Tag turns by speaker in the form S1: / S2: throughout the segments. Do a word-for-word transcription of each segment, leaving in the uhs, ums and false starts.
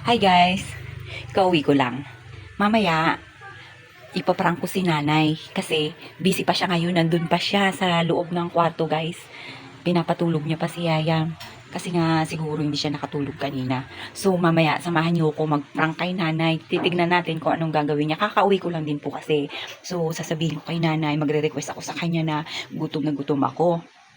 S1: Hi guys, kauwi ko lang. Mamaya, ipaprank ko si nanay kasi busy pa siya ngayon, nandun pa siya sa loob ng kwarto guys. Pinapatulog niya pa si Yayam kasi nga siguro hindi siya nakatulog kanina. So mamaya, samahan niyo ako mag-prank kay nanay. Titignan natin kung anong gagawin niya. Kakauwi ko lang din po kasi. So sasabihin ko kay nanay, magre-request ako sa kanya na gutom na gutom ako.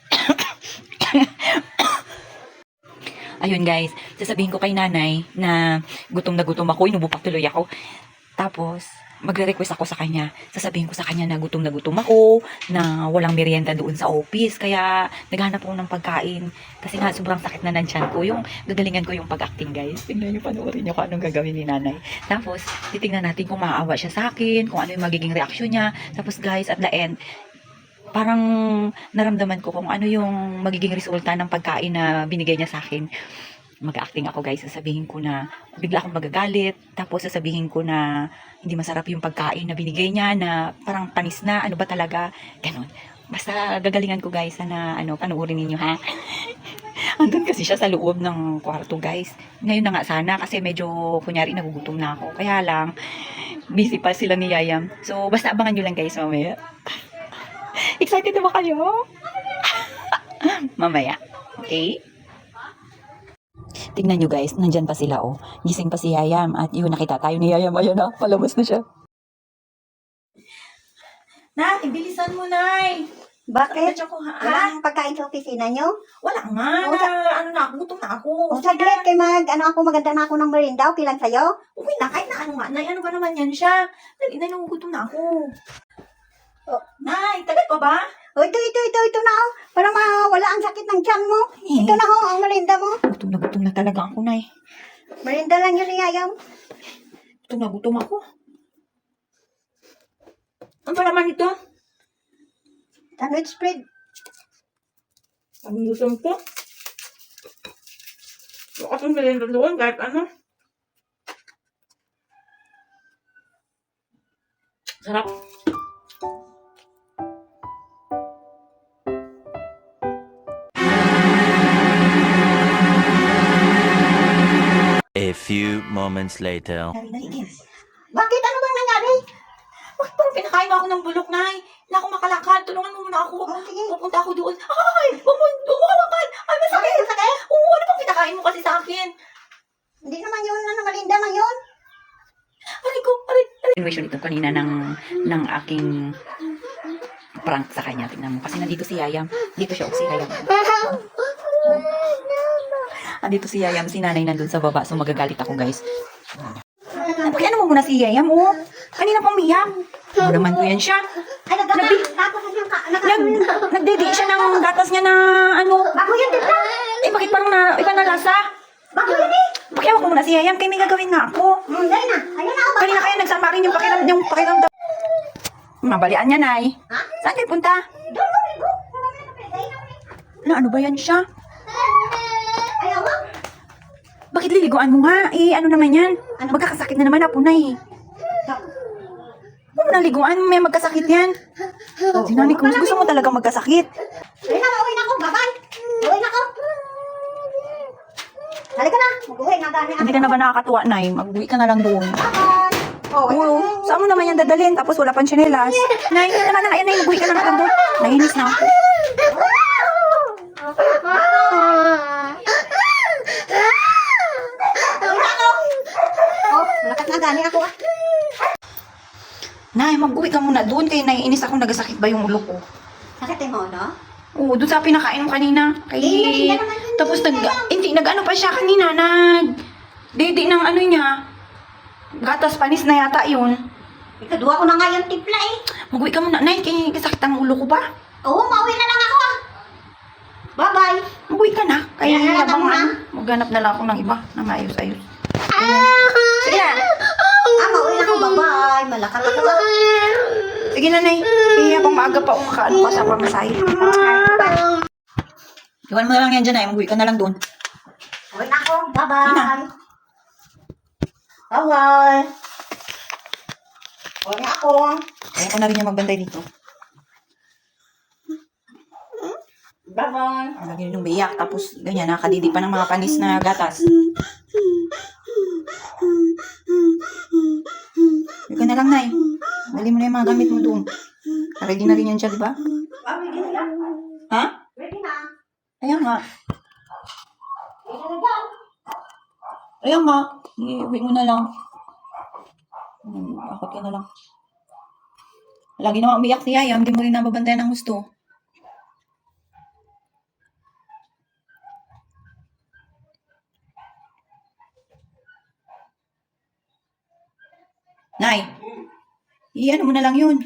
S1: Ayun guys, sasabihin ko kay nanay na gutom na gutom ako, inubupak tuloy ako. Tapos, magre-request ako sa kanya. Sasabihin ko sa kanya na gutom na gutom ako, na walang merienda doon sa office. Kaya, naghanap ako ng pagkain. Kasi nga, sobrang sakit na ng tiyan ko. Yung gagalingan ko yung pag-acting guys. Tingnan nyo, panoorin nyo kung anong gagawin ni nanay. Tapos, titingnan natin kung maaawa siya sa akin, kung ano yung magiging reaksyon niya. Tapos guys, at the end, parang naramdaman ko kung ano yung magiging resulta ng pagkain na binigay niya sa akin. Mag-acting ako guys, sasabihin ko na bigla akong magagalit, tapos sasabihin ko na hindi masarap yung pagkain na binigay niya, na parang panis na, ano ba talaga, ganun. Basta gagalingan ko guys, sana ano, panoorin ninyo ha. Andun kasi siya sa loob ng kwarto guys. Ngayon na nga sana kasi medyo kunyari nagugutom na ako. Kaya lang, busy pa sila ni Yayam. So basta abangan nyo lang guys mamaya. Excited na ba kayo? Mamaya. Okay? Tingnan nyo guys, nandyan pa sila oh. Gising pa si Yayam at yun, nakita tayo ni Yayam. Ayun na, palabas na siya. Nay, bilisan mo, Nay.
S2: Bakit?
S1: Ako, ha?
S2: Walang pagkain sa opisina nyo?
S1: Wala nga.
S2: O,
S1: Na, ano na, gutom na ako.
S2: O saglit, kay mag, ano ako, maganda na ako ng merinda, okay lang sa'yo?
S1: Okay na, kahit na ano nga. Nay, ano ba naman yan siya? Dali na, nagugutom na ako.
S2: Oh.
S1: Nay, tagal pa ba?
S2: O ito, ito, ito, ito na oh. Para mawala ang sakit ng tiyan mo.
S1: Eh.
S2: Ito na ho, ang merinda mo.
S1: Gutom na gutom na talaga ako, Nay.
S2: Merinda lang yun ni Yayam.
S1: Gutom na gutom ako. Ano ba naman ito?
S2: Sandwich spread.
S1: Ang gutom ko. Baka itong merienda doon, kahit ano. Sarap.
S3: A few moments later.
S2: Bakit? Ano bang nangyari?
S1: Bakit parang pinakain mo ako ng bulok, Nay? Hindi ako makalakad. Tulungan mo muna ako.
S2: Oh, sige.
S1: Pupunta ako doon. Ay! Huwag mo, huwag mo hawakan. Ay, masakit.
S2: Bakit? Masakit?
S1: Oo, ano bang pinakain mo kasi sa akin?
S2: Hindi naman yun, ano, merinda lang yun.
S1: Aray ko, aray, aray. Innovation ito kanina ng, ng aking prank sa kanya. Tingnan mo. Kasi nandito si Yayam. Dito siya, oh, si Yayam. Andito si Yayam, si nanay nandun sa baba. So magagalit ako, guys. Kaya ano mo muna si Yayam, oh. Kanina pang umiyak. Ano naman ko yan siya.
S2: Ay, nagdapa. Tapos yung ka, nag-
S1: Nag, nagdidi siya ng gatas niya na ano.
S2: Bago yan, diba?
S1: Eh, bakit parang na, iba na lasa?
S2: Bago yan eh.
S1: Pakiawa ko muna si Yayam, kaya may gagawin nga ako.
S2: Hmm, dahil na. Ayun na ako.
S1: Kanina kaya nagsama rin yung pakiram, yung pakiramdam. Mabalian niya, Nay.
S2: Ha?
S1: Saan kayo punta?
S2: Doon mo, ligo. Dahil na, eh.
S1: Na, ano ba yan siya?
S2: Ayaw mo?
S1: Bakit liliguan mo nga? Eh, ano naman yan? Magkakasakit na naman ako na eh. Huwag mo na liguan, may magkasakit yan. Sinani ko, gusto mo talaga magkasakit.
S2: Ayun na, uwi na ako. Bye-bye. Uwi na ako. Halika na. Mag-uwi na gani
S1: Hindi ka na ba nakakatuwa, Nay? Mag-uwi ka na lang doon.
S2: Bye-bye. Oh,
S1: Oo, saan mo naman yan dadalhin? Tapos wala pang tsinelas. Nay, hindi naman na, ayan, Nay, mag-uwi ka na lang doon. Nainis na ako.
S2: Oh, malakas na gani ako ah.
S1: Nay, mag-uwi ka muna doon. Kaya naiinis ako, nagasakit ba yung ulo ko?
S2: Sakit mo, no?
S1: Oo, doon sa pinakain mo kanina. Kay...
S2: Eh, hindi naman yun,
S1: Tapos
S2: hindi
S1: nag...
S2: naman.
S1: Hindi, nag-ano pa siya kanina. Nag... Didi ng ano niya. Gatas panis na yata yun.
S2: Ikaduha ko na nga yung tipla eh.
S1: Mag-uwi ka muna, Nay. Kaya kasakit ang ulo ko ba?
S2: Oo, mauwi na lang ako ah. Bye-bye.
S1: Mag-uwi ka na. Kaya
S2: Kaya
S1: habang
S2: na.
S1: ano, maghanap na lang ako ng iba na maayos-ayos. Sige na.
S2: Ah, mauwi na ako. Bye-bye. Malakas ako ah.
S1: Sige na, Nay. Kaya habang maaga pa akong kaano pa sa pamasahe. Iwan mo na lang yan dyan, Nay. Mag-uwi ka na lang doon.
S2: Uwi na ako.
S1: Sige na.
S2: Bye-bye. Bye-bye. Uwi na ako.
S1: Kaya ko na rin niya magbantay dito.
S2: Bye-bye.
S1: Ang lagi nung biyak. Tapos ganyan, nakadidi pa ng mga panis na gatas. Ready na rin yan siya, di ba?
S2: Ah, ready na yan.
S1: Ha?
S2: Ready na.
S1: Ayan nga.
S2: Ready na dyan.
S1: Ayan nga. Iuwi mo na lang. Hmm, akot ka na lang. Lagi naman umiyak si Yaya. Hindi mo rin nababantayan ang gusto. Nay, i-ano mo na lang yun.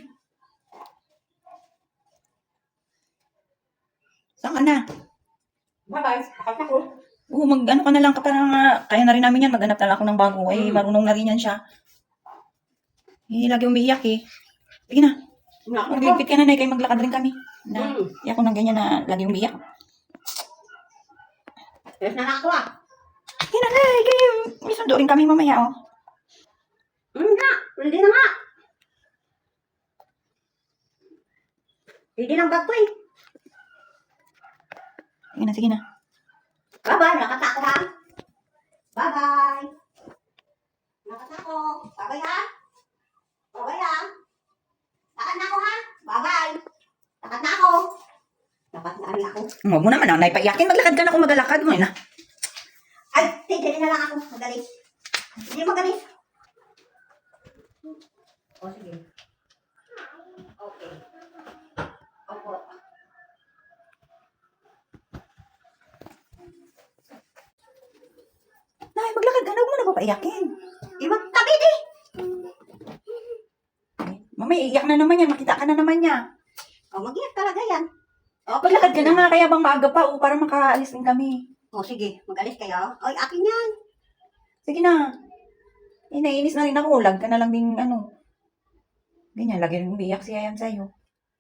S1: Saan ka na?
S2: Bye-bye. Bakit ako?
S1: Oo, mag-ano ka na lang ka parang ah, kaya na rin namin yan. Maghanap na lang ako ng bago. Ay, marunong na rin yan siya. Eh, lagi umiiyak eh. Sige na.
S2: Nakakot ako.
S1: Magligpit ka na, Nay, kayo maglakad rin kami. Na,
S2: Hmm.
S1: iyak ko ng ganyan na lagi umiiyak.
S2: Yes na lang ako ah.
S1: Sige na, Nay, kayo. May sundo rin kami mamaya, oh.
S2: Hmm nga. Ready na nga. Ready ng bag ko eh.
S1: Sige na, sige na.
S2: Bye-bye. Nakata ako ha. Bye-bye. Nakata ako. Bye-bye ha. Bye-bye ha. Takat na ako ha. Bye-bye. Takat na ako. Takat na rin ako.
S1: Huwag mo naman, Nay, paiyakin. Maglakad ka na kung magalakad mo, eh, na.
S2: Ay, tigilin na lang ako. Magalis. Hindi magalis. O, sige. Okay. Opo.
S1: Nay, maglakad ka na. Huwag mo na ba paiyakin?
S2: Ibang tabi di.
S1: Mamaya, iiyak na naman yan. Makita ka na naman niya.
S2: O, mag-iyak talaga yan. O,
S1: Maglakad ka na nga, kaya bang maaga pa, oh, para makaalis din kami.
S2: O, sige. Magalis kayo. Oy, akin yan.
S1: Sige na. Eh, naiinis na rin ako. Lag ka na lang din, ano. Ganyan, lagi rin umiiyak si Yayam sa'yo.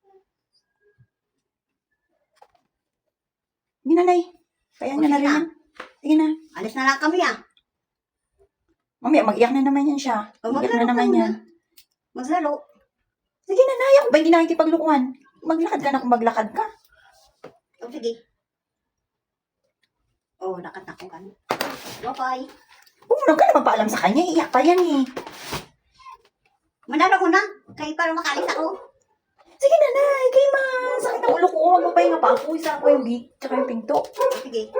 S1: Hindi na, Nay. Kaya
S2: O,
S1: niya na
S2: sige
S1: rin
S2: na.
S1: yan. Sige na.
S2: Alis na lang kami ah.
S1: Mamaya, mag-iyak na naman yan siya.
S2: O,
S1: Mag-iyak
S2: maglaro
S1: na naman
S2: ka
S1: yan.
S2: muna. Maglaro.
S1: Sige na, Nay. Ako ba hindi nakikipaglukuhan? Maglakad ka na kung maglakad ka.
S2: O, sige. O, nakat na ko kan. Bye-bye.
S1: Huwag mo ka na magpaalam sa kanya. Iiyak pa yan eh.
S2: Manalo ko na. Kayo para makalis ako.
S1: Sige na, Nay. Kay ma. Sakit ang ulo ko. Huwag mo pahinga pa ako. Isa ko yung beat. Tsaka yung pinto.
S2: O, sige.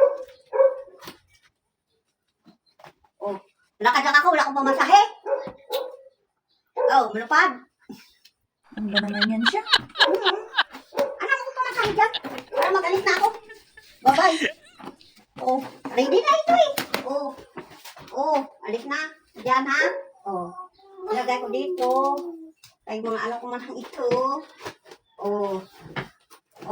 S2: O, lakad lang ako. Wala akong pamasahe. O, malupad.
S1: Ano ba naman yan siya?
S2: Ano mo pamasahe dyan? Para magalis na ako. Bye-bye. O, ready na ito eh. O, o, alis na. Diyan ha. O, ilagay ko dito. Ay, mga ano ko man ang ito. O, o,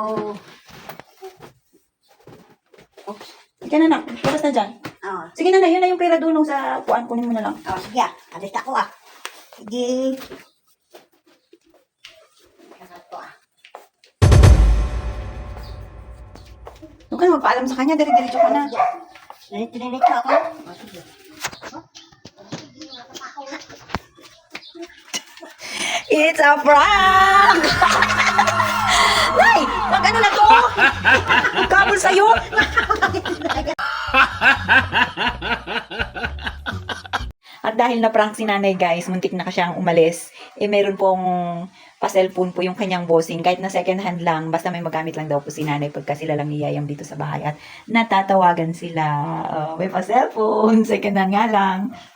S1: Sige na, Nak. Putas na dyan.
S2: o.
S1: Sige na, Nay. Yun na yung pera doon sa kuan. Kunin mo na lang.
S2: O, sige ah. Alis ako ah. Sige. Lahat to ah.
S1: Huwag ka na magpaalam sa kanya. Dire-diretso ka na.
S2: Diretso ako. O, sige.
S1: It's a prank! Nay! Mag-ano na to? Kabul sa'yo? At dahil na-prank si nanay guys, muntik na siyang umalis. Eh meron pong pa-cellphone po yung kanyang bossing. Kahit na second hand lang, basta may magamit lang daw po si nanay pagka sila lang niyayam dito sa bahay. At natatawagan sila. Uh, may pa-cellphone, second hand nga lang.